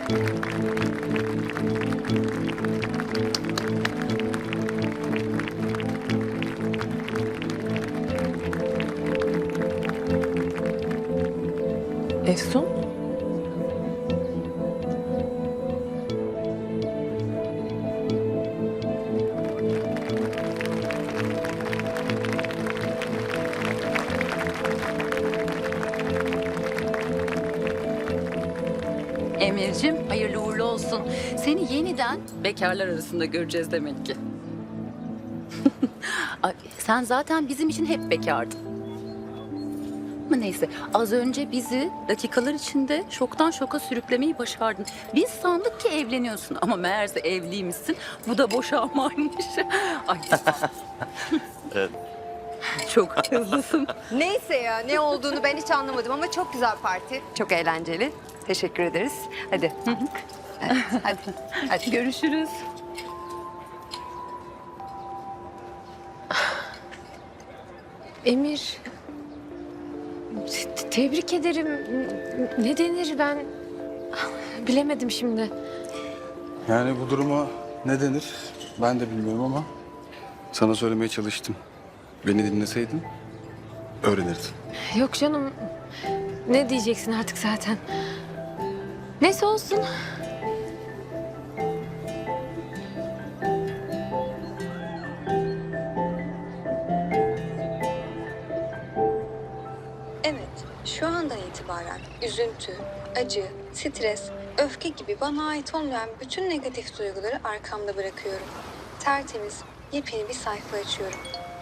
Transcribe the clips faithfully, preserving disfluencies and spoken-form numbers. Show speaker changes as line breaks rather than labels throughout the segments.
Efsun?
Emir'cim hayırlı uğurlu olsun. Seni yeniden bekarlar arasında göreceğiz demek ki. Ay, sen zaten bizim için hep bekardın. Ama neyse, az önce bizi dakikalar içinde şoktan şoka sürüklemeyi başardın. Biz sandık ki evleniyorsun ama meğerse evliymişsin. Bu da boşanmaymış. Ay.
Evet.
Çok hızlısın.
Neyse ya, ne olduğunu ben hiç anlamadım ama çok güzel parti. Çok eğlenceli. Teşekkür ederiz. Hadi. Hadi. Hadi. Hadi.
Görüşürüz.
Emir. te- Tebrik ederim. Ne denir ben bilemedim şimdi.
Yani bu duruma ne denir ben de bilmiyorum ama sana söylemeye çalıştım. Beni dinleseydin öğrenirdin.
Yok canım. Ne diyeceksin artık zaten. Neyse olsun.
Evet, şu andan itibaren üzüntü, acı, stres, öfke gibi bana ait olmayan bütün negatif duyguları arkamda bırakıyorum. Tertemiz, yepyeni bir sayfa açıyorum.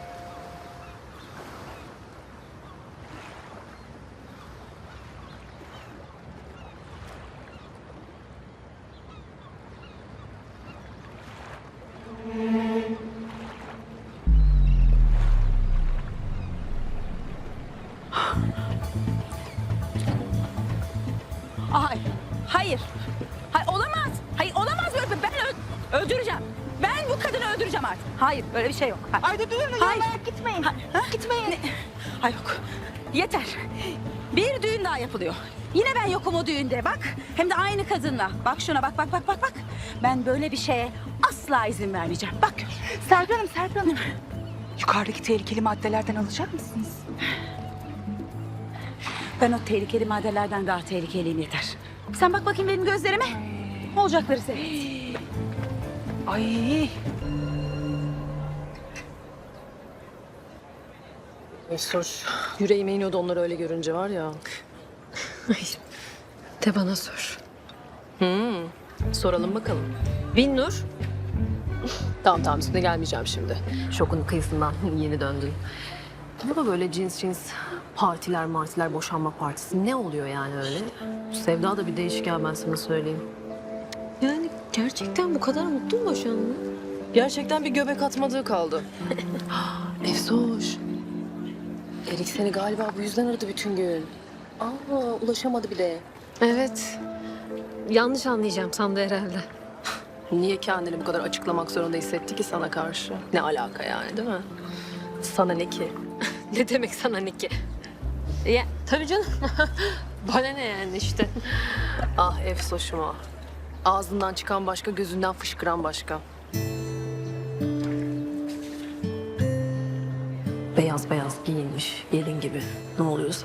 Ay, hayır. Hayır olamaz. Hayır olamaz böyle. Ben ö- öldüreceğim. Ben bu kadını öldüreceğim artık. Hayır böyle bir şey yok. Hayır.
Ay dur durun
Hayır.
ya gitmeyin.
Ha-
Gitmeyin.
Ne? Hayır yok. Yeter. Bir düğün daha yapılıyor. Yine ben yokum o düğünde bak. Hem de aynı kadınla. Bak şuna bak bak bak bak bak. Ben böyle bir şeye asla izin vermeyeceğim. Bak gör.
Serpil Hanım, Serpil Hanım. Yukarıdaki tehlikeli maddelerden alacak mısınız?
Ben o tehlikeli maddelerden daha tehlikeliyim yeter. Sen bak bakayım benim gözlerime. Olacakları seyret.
Ay.
Sor. Yüreğime iniyordu onları öyle görünce var ya. Ay, de bana sor. Hmm, soralım bakalım. Binnur. Tamam tamam üstüne gelmeyeceğim şimdi. Şokun kıyısından yeni döndün. Ama böyle cins cins partiler martiler boşanma partisi ne oluyor yani öyle? Sevda da bir değişken ben sana söyleyeyim. Yani gerçekten bu kadar mutlu mu boşanma? Gerçekten bir göbek atmadığı kaldı. Efsoş. Erik seni galiba bu yüzden aradı bütün gün. Aa, ulaşamadı bile. Evet. Yanlış anlayacağım sandı herhalde. Niye kendini bu kadar açıklamak zorunda hissetti ki sana karşı? Ne alaka yani değil mi? Sana ne ki? Ne demek sana ne ki? Ya tabii canım. Bana ne yani işte. Ah Efsoş'uma. Ağzından çıkan başka, gözünden fışkıran başka. Beyaz beyaz giyinmiş, gelin gibi. Ne oluyorsa.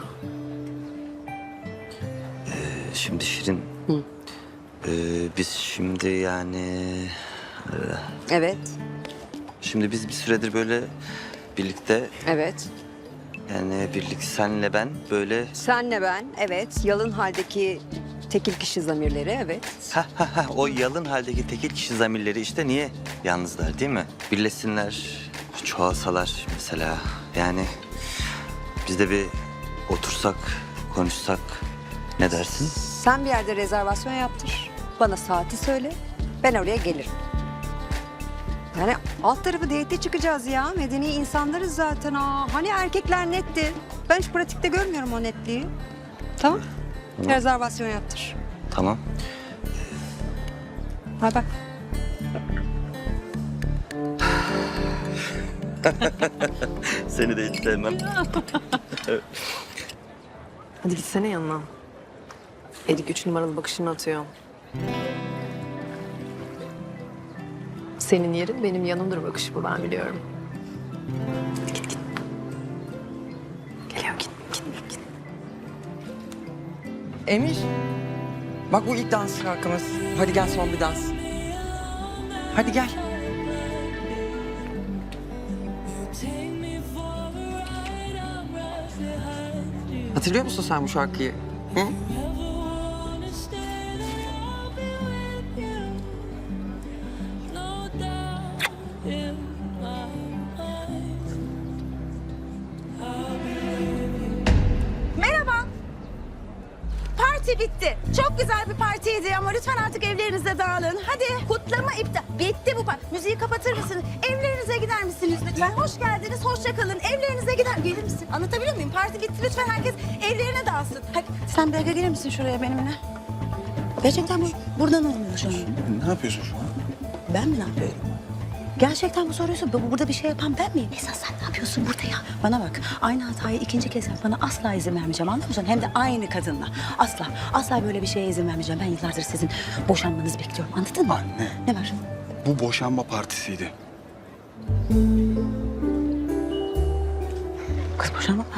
Şimdi Şirin.
Hı.
Ee, biz şimdi yani... e,
Evet.
Şimdi biz bir süredir böyle birlikte
Evet.
yani birlik senle ben böyle...
Senle ben, evet. Yalın haldeki tekil kişi zamirleri, evet.
Ha ha ha o yalın haldeki tekil kişi zamirleri işte niye yalnızlar değil mi? Birleşsinler, çoğalsalar mesela. Yani biz de bir otursak, konuşsak ne dersin?
Sen bir yerde rezervasyon yaptır. Bana saati söyle. Ben oraya gelirim. Yani alt tarafı date çıkacağız ya. Medeni insanlarız zaten. Aa, hani erkekler netti. Ben hiç pratikte görmüyorum o netliği. Tamam.
Tamam.
Rezervasyon yaptır.
Tamam.
Hay bak.
Seni de hiç sevmem.
Hadi gitsene yanına. Erik üç numaralı bakışını atıyor. Senin yerin benim yanımdır bakışı bu, ben biliyorum. Git git. Geliyor, git git git.
Emir. Bak bu ilk dans şarkımız. Hadi gel son bir dans. Hadi gel. Hatırlıyor musun sen bu şarkıyı? Hı?
Merhaba. Parti bitti. Çok güzel bir partiydi ama lütfen artık evlerinize dağılın. Hadi kutlama iptal. Bitti bu parti. Müziği kapatır mısınız? Evlerinize gider misiniz lütfen? Hoş geldiniz, hoşça kalın. Evlerinize gider. Gelir misin? Anlatabiliyor muyum? Parti bitti. Lütfen herkes evlerine dağılsın. Hadi sen bir dakika gelir misin şuraya benimle? Gerçekten bu buradan olmuyor şu an.
Ne yapıyorsun şu an?
Ben mi ne yapıyorum? Gerçekten bu soruyorsun. Bu- Burada bir şey yapan ben miyim? Esas sen ne yapıyorsun burada ya? Bana bak. Aynı hatayı ikinci kez yapmana asla izin vermeyeceğim. Anlıyor musun? Hem de aynı kadınla. Asla. Asla böyle bir şeye izin vermeyeceğim. Ben yıllardır sizin boşanmanızı bekliyorum. Anladın mı?
Anne.
Ne var?
Bu boşanma partisiydi.
Kız boşanma var.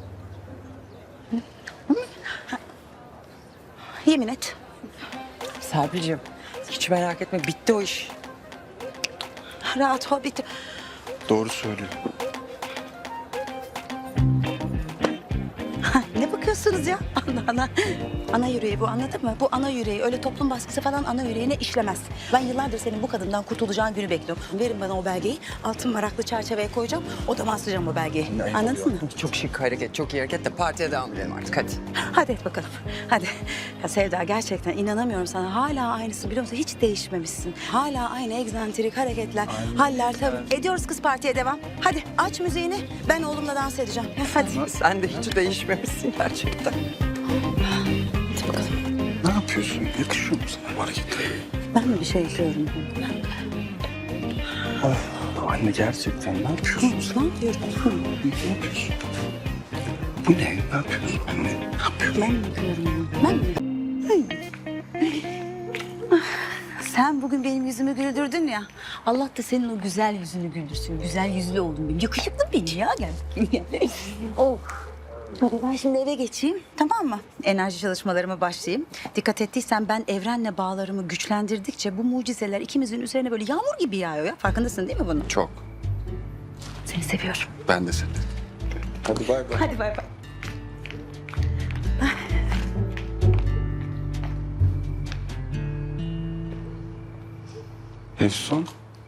Hı? Ha. Yemin et.
Serpil'ciğim hiç merak etme bitti o iş.
Rahat ol bitti.
Doğru söylüyor.
Ha, ne bakıyorsunuz ya? Ana ana. Ana yüreği bu, anladın mı? Bu ana yüreği. Öyle toplum baskısı falan ana yüreğine işlemez. Ben yıllardır senin bu kadından kurtulacağın günü bekliyorum. Verin bana o belgeyi. Altın varaklı çerçeveye koyacağım. Odama asacağım o belgeyi. Anladın mı?
Çok şık hareket, çok iyi hareket de partiye devam edelim artık hadi.
Hadi et bakalım. Hadi. Ya Sevda gerçekten inanamıyorum sana. Hala aynısı biliyor musun? Hiç değişmemişsin. Hala aynı egzantrik hareketler, haller tabii. Ediyoruz kız partiye devam. Hadi aç müziğini. Ben oğlumla dans edeceğim. Hadi.
Sen de hiç değişmemişsin gerçekten.
Hadi bakalım.
Ne yapıyorsun? Yakışıyor mu sana bu hareketler?
Ben mi bir şey yapıyorum?
Of, anne gerçekten ne yapıyorsun sen?
Ne yapıyorum?
Ne yapıyorsun? Bu ne? Ne yapıyorsun anne? Ne yapıyorsun?
Ben mi yapıyorum? Ben mi? Ah, sen bugün benim yüzümü güldürdün ya. Allah da senin o güzel yüzünü güldürsün. Güzel yüzlü oldun benim. Yakışıklı benim ya. Gel. oh. Hadi ben şimdi eve geçeyim, tamam mı? Enerji çalışmalarıma başlayayım. Dikkat ettiysen ben evrenle bağlarımı güçlendirdikçe bu mucizeler ikimizin üzerine böyle yağmur gibi yağıyor ya. Farkındasın değil mi bunun?
Çok.
Seni seviyorum.
Ben de seni. Hadi bay bay.
Hadi bay bay.
Efsun.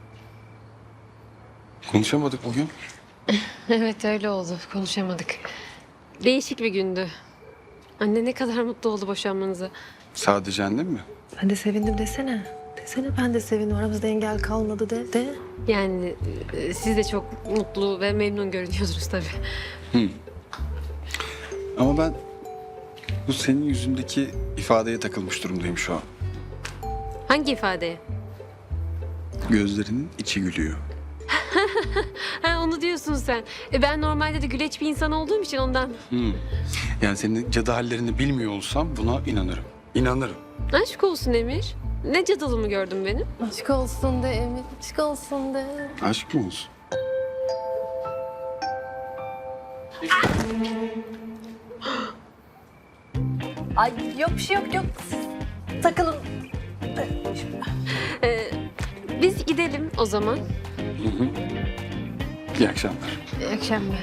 Konuşamadık bugün.
Evet öyle oldu. Konuşamadık. Değişik bir gündü. Anne ne kadar mutlu oldu boşanmanıza.
Sadece annem mi?
Ben de sevindim desene. Desene ben de sevindim. Aramızda engel kalmadı de. De.
Yani e, siz de çok mutlu ve memnun görünüyorsunuz tabii.
Ama ben bu senin yüzündeki ifadeye takılmış durumdayım şu an.
Hangi ifadeye?
Gözlerinin içi gülüyor.
Ha onu diyorsun sen. E, ben normalde de güleç bir insan olduğum için ondan.
Hmm. Yani senin cadı hallerini bilmiyor olsam buna inanırım. İnanırım.
Aşk olsun Emir. Ne cadılımı gördün benim?
Aşk olsun de Emir. Aşk olsun de.
Aşk mı olsun?
Ay yok bir şey yok yok. Siz takılın.
E, biz gidelim o zaman.
Hı hı. İyi akşamlar.
İyi akşamlar.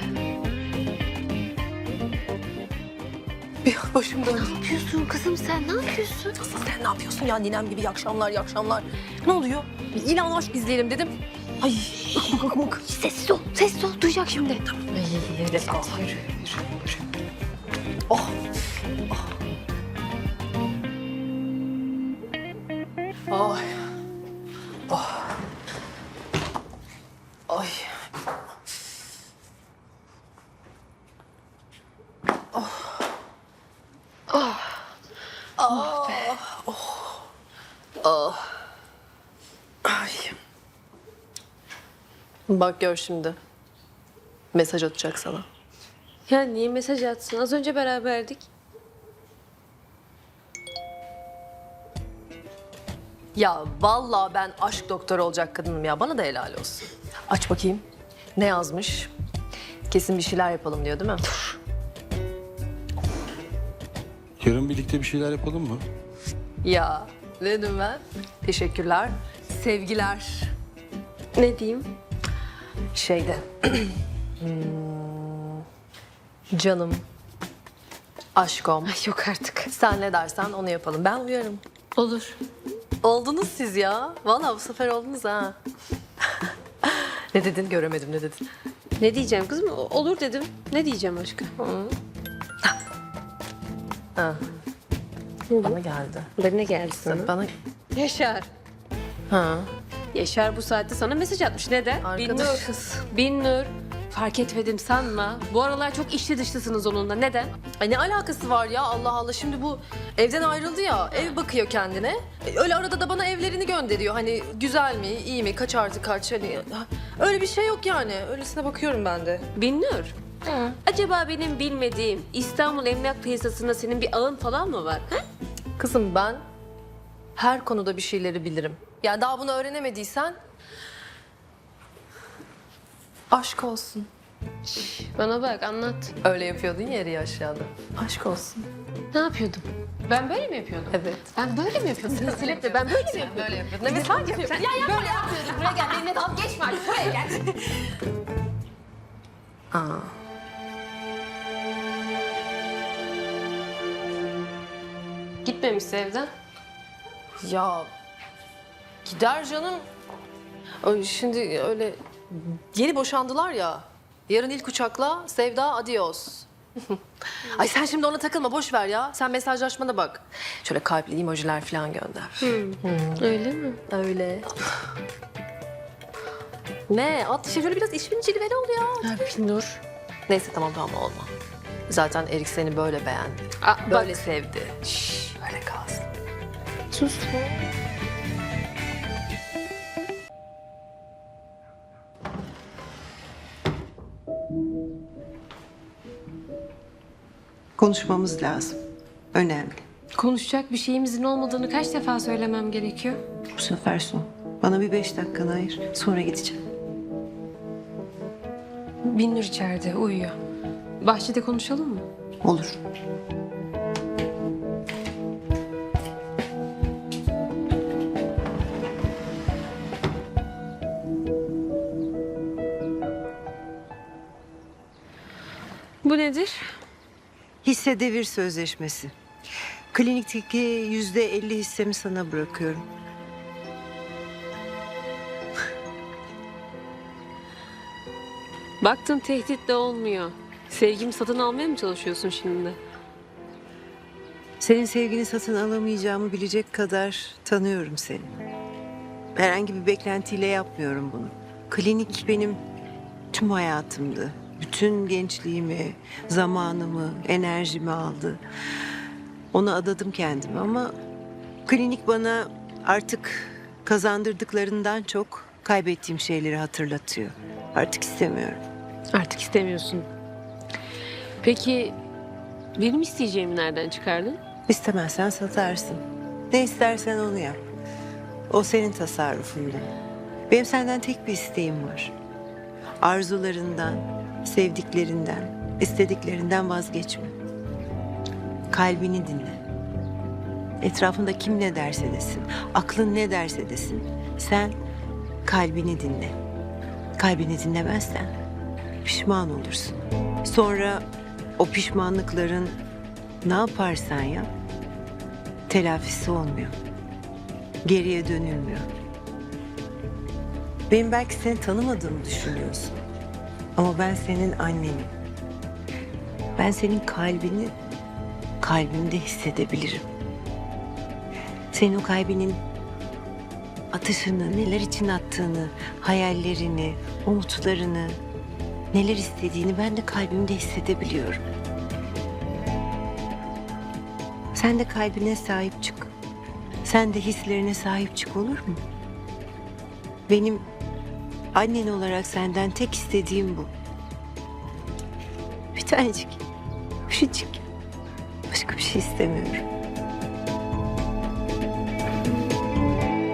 Bir başım döndü.
Ne yapıyorsun kızım sen? Ne yapıyorsun?
Asıl sen ne yapıyorsun ya ninem gibi iyi akşamlar iyi akşamlar. Ne oluyor? Bir ilan aşk izleyelim dedim. Ay bak bak bak.
Sessiz ol. Sessiz ol. Duyacak şimdi.
Ay let's go. Yürü, yürü, yürü. Oh. Oh. Ay. Oh. Ay. Ay. Bak gör şimdi. Mesaj atacak sana.
Ya niye mesaj atsın? Az önce beraberdik.
Ya vallahi ben aşk doktoru olacak kadınım ya. Bana da helal olsun. Aç bakayım. Ne yazmış? Kesin bir şeyler yapalım diyor değil mi?
Yarın birlikte bir şeyler yapalım mı?
Ya ne dedim ben? Teşekkürler. Sevgiler.
Ne diyeyim?
Şeyde. Hmm, canım. Aşkom.
Ay yok artık.
Sen ne dersen onu yapalım. Ben uyarım.
Olur.
Oldunuz siz ya. Vallahi bu sefer oldunuz ha. Ne dedin? Göremedim ne dedin?
Ne diyeceğim kızım? O- Olur dedim. Ne diyeceğim aşkım?
Ha. Bana geldi.
Ben ne geldi sana?
Bana...
Yaşar.
Ha.
Yaşar bu saatte sana mesaj atmış. Neden?
Arkadaşız.
Binnur. Binnur. Fark etmedim sanma. Bu aralar çok içli dışlısınız onunla. Neden?
Ay ne alakası var ya Allah Allah. Şimdi bu evden ayrıldı ya. Ev bakıyor kendine. E, Öyle arada da bana evlerini gönderiyor. Hani güzel mi, iyi mi, kaç artı kaç. Hani öyle bir şey yok yani. Öylesine bakıyorum ben de.
Binnur. Acaba benim bilmediğim İstanbul emlak piyasasında senin bir ağın falan mı var? Ha?
Kızım ben her konuda bir şeyleri bilirim. Yani daha bunu öğrenemediysen aşk olsun.
Bana bak anlat.
Öyle yapıyordun ya yeri aşağıda. Aşk olsun.
Ne yapıyordum? Ben böyle mi yapıyordum?
Evet.
Ben böyle mi yapıyordum? Kesinlikle ben böyle mi yapıyordum?
Böyle yapıyordun. Evet sen yapıyordun.
Ya ya böyle yapmıyordum. Buraya gel. Benimle dalga geçme artık. Buraya gel.
Aa.
Gitmemişse evden.
Ya gider canım. Ay, Şimdi öyle yeni boşandılar ya. Yarın ilk uçakla Sevda adios. Ay sen şimdi ona takılma boş ver ya. Sen mesajlaşmana bak. Şöyle kalpli emojiler falan gönder.
Öyle mi?
Öyle. Ne? At işte şöyle biraz işin cilveli ol ya.
Ha, Binnur.
Neyse tamam tamam olma. Zaten Erik seni böyle beğendi.
Aa,
Böyle
bak.
sevdi. Şşş öyle kalsın.
Sus.
Konuşmamız lazım. Önemli.
Konuşacak bir şeyimizin olmadığını kaç defa söylemem gerekiyor?
Bu sefer son. Bana bir beş dakikanı ayır. Sonra gideceğim.
Binnur içeride uyuyor. Bahçede konuşalım mı?
Olur.
Bu nedir?
Hisse devir sözleşmesi. Klinikteki yüzde elli hissemi sana bırakıyorum.
Baktın tehditle olmuyor. Sevgimi satın almaya mı çalışıyorsun şimdi?
Senin sevgini satın alamayacağımı bilecek kadar tanıyorum seni. Herhangi bir beklentiyle yapmıyorum bunu. Klinik benim tüm hayatımdı. Bütün gençliğimi, zamanımı, enerjimi aldı. Ona adadım kendimi ama klinik bana artık kazandırdıklarından çok kaybettiğim şeyleri hatırlatıyor. Artık istemiyorum.
Artık istemiyorsun. Peki benim isteyeceğimi nereden çıkardın?
İstemezsen satarsın. Ne istersen onu yap. O senin tasarrufunda. Benim senden tek bir isteğim var. Arzularından, sevdiklerinden, istediklerinden vazgeçme. Kalbini dinle. Etrafında kim ne derse desin, aklın ne derse desin. Sen kalbini dinle. Kalbini dinlemezsen pişman olursun. Sonra o pişmanlıkların ne yaparsan yap, telafisi olmuyor. Geriye dönülmüyor. Benim belki seni tanımadığımı düşünüyorsun. Ama ben senin annenim. Ben senin kalbini kalbimde hissedebilirim. Senin o kalbinin atışını, neler için attığını, hayallerini, umutlarını, neler istediğini ben de kalbimde hissedebiliyorum. Sen de kalbine sahip çık. Sen de hislerine sahip çık, olur mu? Benim annen olarak senden tek istediğim bu. Bir tanecik, küçücük. Başka bir şey istemiyorum.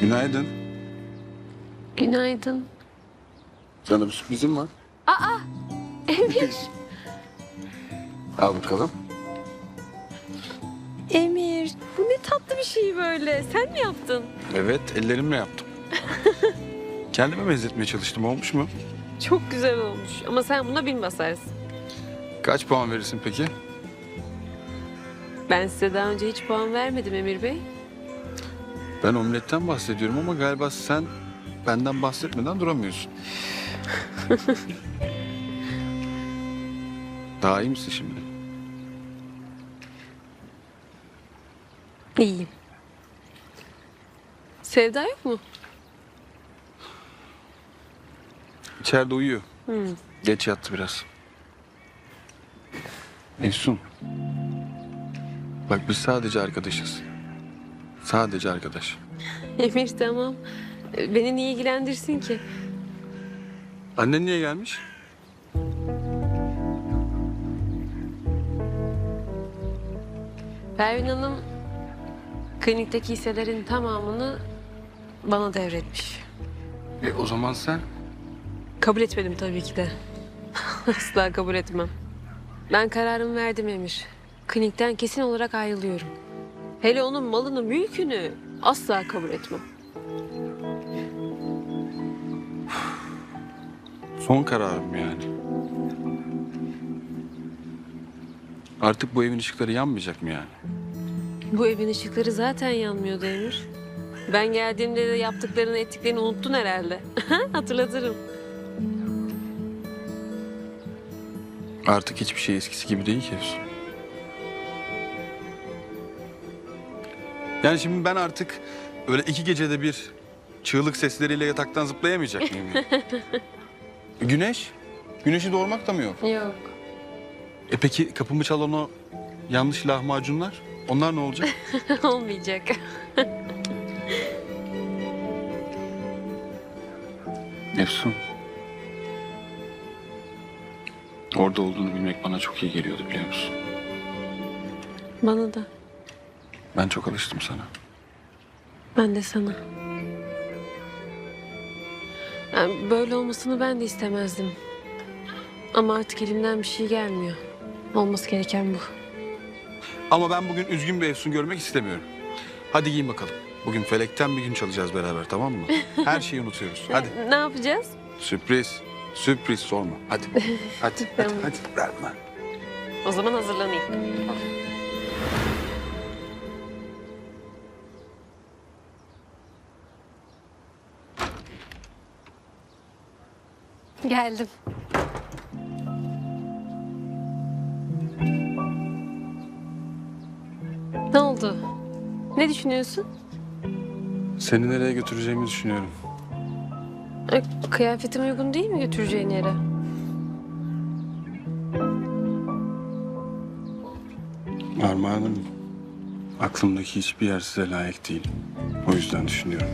Günaydın.
Günaydın.
Sana bir sürprizim var.
Emir.
Al bakalım.
Emir. Bu ne tatlı bir şey böyle. Sen mi yaptın?
Evet, ellerimle yaptım. Kendime benzetmeye çalıştım. Olmuş mu?
Çok güzel olmuş. Ama sen buna bin basarsın.
Kaç puan verirsin peki?
Ben size daha önce hiç puan vermedim Emir Bey.
Ben omletten bahsediyorum ama galiba sen benden bahsetmeden duramıyorsun. Daha iyi misin şimdi?
İyiyim. Sevda yok mu?
İçeride uyuyor. Geç yattı biraz. Efsun. Bak biz sadece arkadaşız. Sadece arkadaş.
Emir tamam. Beni niye ilgilendirsin ki?
Annen niye gelmiş?
Pervin Hanım klinikteki hisselerin tamamını bana devretmiş.
E o zaman sen?
Kabul etmedim tabii ki de. Asla kabul etmem. Ben kararımı verdim Emir. Klinikten kesin olarak ayrılıyorum. Hele onun malını, mülkünü asla kabul etmem.
Son kararım yani. Artık bu evin ışıkları yanmayacak mı yani?
Bu evin ışıkları zaten yanmıyordu Emir. Ben geldiğimde de yaptıklarını, ettiklerini unuttun herhalde. Hatırlatırım.
Artık hiçbir şey eskisi gibi değil ki Efsun. Yani şimdi ben artık öyle iki gecede bir çığlık sesleriyle yataktan zıplayamayacak mıyım? yani? Güneş? Güneşi doğurmak da mı yok?
Yok.
E peki kapımı çalan o yanlış lahmacunlar? Onlar ne olacak?
Olmayacak.
Efsun. Orada olduğunu bilmek bana çok iyi geliyordu biliyor musun?
Bana da.
Ben çok alıştım sana.
Ben de sana. Yani böyle olmasını ben de istemezdim. Ama artık elimden bir şey gelmiyor. Olması gereken bu.
Ama ben bugün üzgün bir Efsun görmek istemiyorum. Hadi giyin bakalım. Bugün felekten bir gün çalacağız beraber, tamam mı? Her şeyi unutuyoruz. Hadi.
Ne yapacağız?
Sürpriz. Sürpriz sorma. Hadi. Hadi. hadi,
Tamam.
hadi. Ver bana.
O zaman hazırlanayım. Geldim. Ne oldu? Ne düşünüyorsun?
Seni nereye götüreceğimi düşünüyorum.
E, Kıyafetim uygun değil mi götüreceğin yere?
Armağanım, aklımdaki hiçbir yer size layık değil. O yüzden düşünüyorum.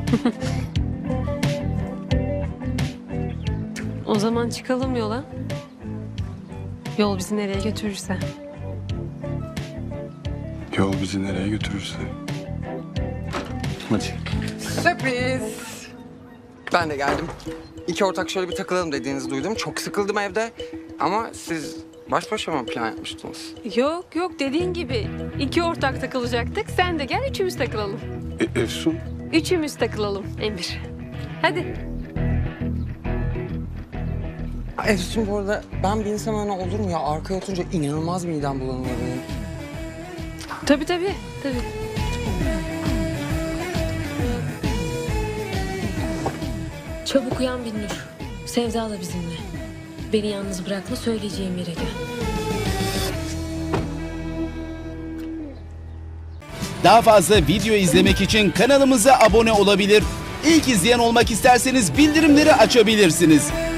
O zaman çıkalım yola. Yol bizi nereye götürürse.
Yol bizi nereye götürürse. Hadi.
Sürpriz. Ben de geldim. İki ortak şöyle bir takılalım dediğinizi duydum. Çok sıkıldım evde. Ama siz baş başa mı plan yapmıştınız?
Yok yok dediğin gibi iki ortak takılacaktık. Sen de gel üçümüz takılalım.
E, Efsun,
Üçümüz takılalım Emir. Hadi.
Efsun bu arada ben bir insan öyle olur mu ya? Arkaya oturunca inanılmaz midem bulanıyor benim.
Tabii tabii. Tabii. Çabuk uyan Binnur. Sevda da bizimle. Beni yalnız bırakma, söyleyeceğim yere gel.
Daha fazla video izlemek için kanalımıza abone olabilir. İlk izleyen olmak isterseniz bildirimleri açabilirsiniz.